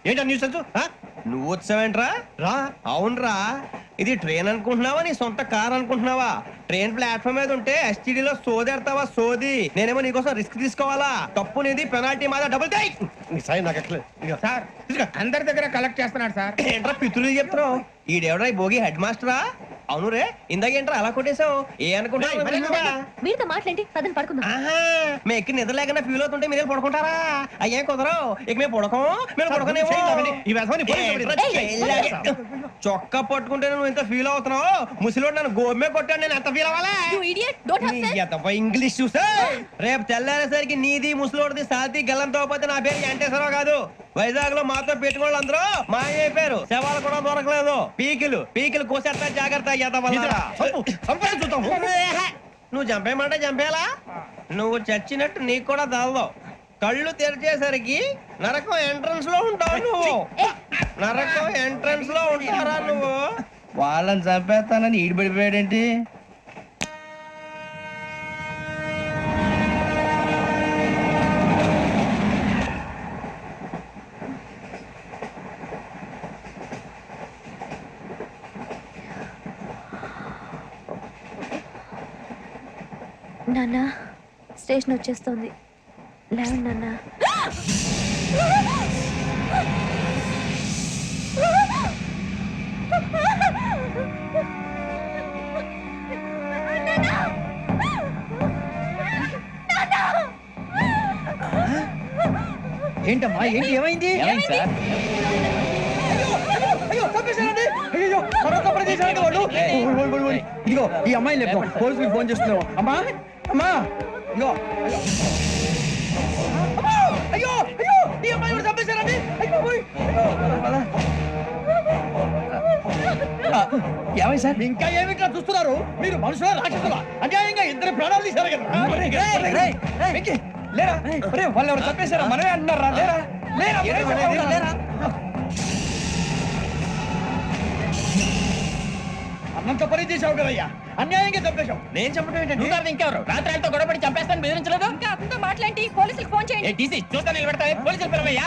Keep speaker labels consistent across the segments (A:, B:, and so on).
A: ఏంటో న్యూస్
B: నువ్వు వచ్చావేంట్రా?
A: రా.
B: అవునరా, ఇది ట్రైన్ అనుకుంటున్నావా నీ సొంత కార్ అనుకుంటున్నావా? ట్రైన్ ప్లాట్ఫామ్ మీద ఉంటే ఎస్టీడీలో సోదేడతావా సోది? నేనేమో నీకోసం రిస్క్ తీసుకోవాలా? తప్పు నీది, పెనాల్టీ మాదా, డబుల్ టై.
A: నీ సాయి నాకు ఎక్కలేదు. ఇదిగో.
C: సార్ అందరి దగ్గర కలెక్ట్ చేస్తున్నాడు సార్.
B: ఏంట్రా పితులు చెప్తున్నావు? ఈడెవడ్రా ఈ భోగి హెడ్ మాస్టరా? అవును రే, ఇందాకేంట్రా అలా కొట్టేశావు? ఏ అనుకుంటావు?
D: వీరితో మాట్లాడి పదని పడుకుందాం.
B: మేము ఎక్కి నిద్ర లేకుండా ఫీల్ అవుతుంటే మీరు పడుకుంటారా? అయ్యేం కుదరవు. ఇక మేము పడకం, మేము పడకనేమో.
A: ఈ వ్యసనాన్ని పోలీసులు
B: చొక్కా పట్టుకుంటే నువ్వు ఎంత ఫీల్ అవుతున్నావు? ముసలివాడు నన్ను గోమే కొట్టాడు, నేను ఎంత ఫీల్ అవ్వాలా? ఇంగ్లీష్ చూసా. రేపు తెల్లారేసరికి నీది ముసలివాడిది సాతి గల్లంతో పోతే నా పేరు వెంకటేశ్వరరావు కాదు. వైజాగ్ లో మాతో పెట్టుకోళ్ళు అందరూ మాయైపోయారు. శవాలు కూడా దొరకలేదు. పీకిలు కోసేస్తా, జాగ్రత్త. నువ్వు చంపేయమంటే చంపేలా? నువ్వు చచ్చినట్టు నీకు కూడా తగదు. కళ్ళు తెరిచేసరికి నరకం ఎంట్రన్స్ లో ఉంటావు నువ్వు. నరకం ఎంట్రన్స్ లో ఉంటారా నువ్వు?
E: వాళ్ళని చంపేస్తానని ఈడిపడిపోయాడేంటి?
D: నాన్న, స్టేషన్ వచ్చేస్తుంది. లేవండి నాన్న.
E: ఏంటమ్మా, ఏంటి, ఏమైంది? సార్, ఇదిగో ఈ అమ్మాయి లేపు, పోలీసులకు ఫోన్ చేస్తున్నావు. అమ్మా అమ్మా, ఇదిగో. అయ్యో అయ్యో, ఈ అమ్మాయి కూడా చంపేశారండి. ఏమై సార్, ఇంకా ఏమిట్లా చూస్తున్నారు? మీరు మనుషుల రాక్షసులా? అన్యాయంగా ఇద్దరు ప్రాణాలు తీశారు కదా. లేరా, వాళ్ళు ఎవరు చంపేశారా? మనమే అంటున్నారా? లేరా. అన్నంత పని చేసావు కదయ్యా, అన్యాయంగా చంపేశావు.
B: నేను చెప్పడం ఏంటంటే
E: ఇంకెవరు రాత్రి గొడవపడి చంపేస్తాను బెదిరించలేదు?
D: ఇంకా అతనితో మాట్లాడి పోలీసులకు ఫోన్ చేయండి.
E: చూస్తా నిలబెడతా, పోలీసులు పిలవయ్యా.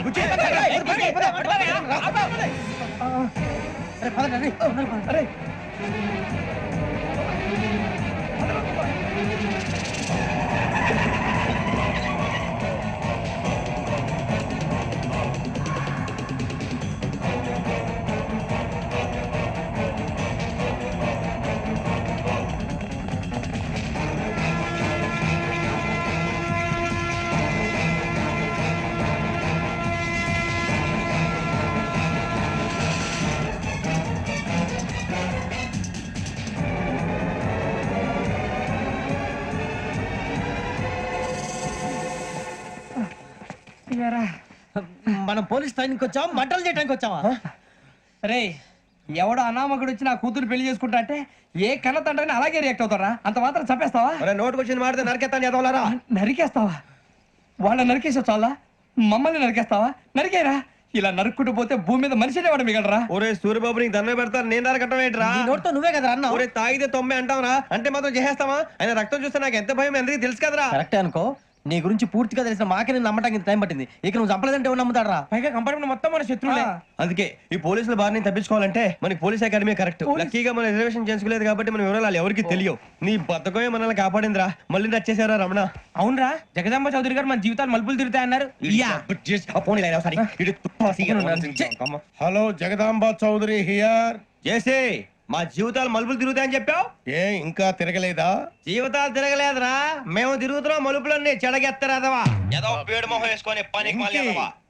E: మనం పోలీస్ ట్రైనింగ్కి వచ్చాం, మంటలు చేయడానికి వచ్చావా? రే, ఎవడో అనామకుడు వచ్చి నా కూతురు పెళ్లి చేసుకుంటా అంటే ఏ కన్న తండ్రిని అలాగే రియాక్ట్ అవుతారా? అంత మాత్రం చంపేస్తావా?
B: నోటుకు వచ్చింది మాడితే నరికేస్తాను చదవాలరా.
E: నరికేస్తావా? వాళ్ళని నరికేసావు చాలా, మమ్మల్ని నరికేస్తావా? నరికేరా. ఇలా నరుక్కుంటూ పోతే భూమి మీద మనిషినే వాడు మిగలరా?
B: ఒరే సూర్యబాబు, నీకు దండ పెడతారు, నేను నరకటం ఏంట్రా?
E: నోటితో నువ్వే కదా అన్నావు.
B: ఒరే తాగితే 90 అంటావరా? అంటే మాత్రం చేసేస్తావా? ఆయన రక్తం చూస్తే నాకు ఎంత భయం అందరికీ తెలుసు కదరా.
E: కరెక్టే అనుకో, నీ గురించి పూర్తిగా తెలిసిన మాకే నేను నమ్మటానికి ఇంత టైం పట్టింది. ఇక నువ్వు చంపలేదంటే ఎవరు నమ్ముతాడరా? పైగా కంపార్ట్మెంట్ మొత్తం మన శత్రువులే.
B: అందుకే ఈ పోలీసుల బారిని తప్పించుకోవాలంటే మనకి పోలీస్ అకాడమీ కరెక్ట్. లక్కీగా మనం రిజర్వేషన్ చేసుకోలేదు కాబట్టి మన వివరాలు ఎవరికి తెలియవు. నీ బతకమే మనల్ని కాపాడిందిరా. మళ్ళీ నచ్చేసారా రమణ?
E: అవునరా, జగదాంబ చౌదరి గారు మన జీవితాలు మలుపులు తిరుగుతాయన్నారు.
A: Hello, Jagadamba Chowdary here.
B: చేసే మా జీవితాలు మలుపులు తిరుగుతాయని చెప్పావు.
A: ఏ ఇంకా తిరగలేదా?
B: జీవితాలు తిరగలేదురా, మేము తిరుగుతున్నాం మలుపులన్నీ. చెడగెత్తరాదవా ఏదో పేడు మొహం వేసుకొని పనికి.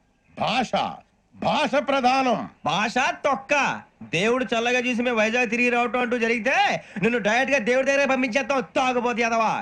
A: భాష ప్రధానం.
B: భాష తొక్క. దేవుడు చల్లగా చూసి మేము వైజాగ్ తిరిగి రావటం అంటూ జరిగితే నిన్ను డైరెక్ట్ గా దేవుడి దగ్గర పంపించేస్తాం. తాగుబోతు యాదవా.